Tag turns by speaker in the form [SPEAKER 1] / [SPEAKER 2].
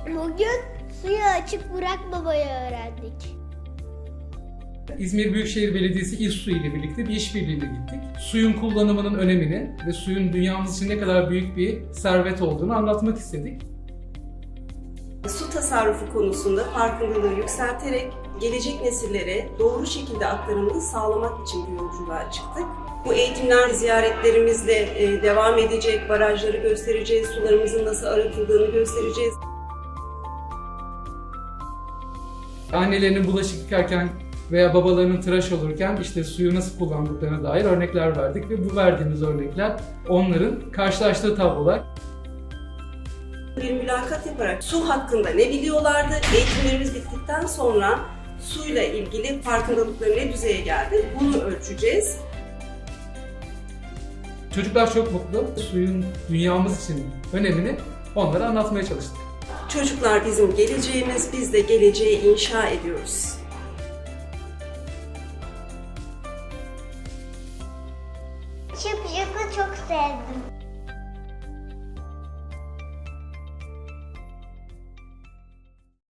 [SPEAKER 1] Bugün suyu açık bırakmamayı öğrendik.
[SPEAKER 2] İzmir Büyükşehir Belediyesi İSSU ile birlikte bir işbirliğine gittik. Suyun kullanımının önemini ve suyun dünyamız için ne kadar büyük bir servet olduğunu anlatmak istedik.
[SPEAKER 3] Su tasarrufu konusunda farkındalığı yükselterek gelecek nesillere doğru şekilde aktarımını sağlamak için bir yolculuğa çıktık. Bu eğitimler ziyaretlerimizle devam edecek, barajları göstereceğiz, sularımızın nasıl arıtıldığını göstereceğiz.
[SPEAKER 2] Annelerinin bulaşık yıkarken veya babalarının tıraş olurken işte suyu nasıl kullandıklarına dair örnekler verdik ve bu verdiğimiz örnekler onların karşılaştığı tablolar.
[SPEAKER 3] Bir mülakat yaparak su hakkında ne biliyorlardı, eğitimlerimiz bittikten sonra suyla ilgili farkındalıkları ne düzeye geldi, bunu ölçeceğiz.
[SPEAKER 2] Çocuklar çok mutlu. Suyun dünyamız için önemini onlara anlatmaya çalıştık.
[SPEAKER 3] Çocuklar bizim geleceğimiz, biz de geleceği inşa ediyoruz.
[SPEAKER 1] Şıp şıpı çok sevdim.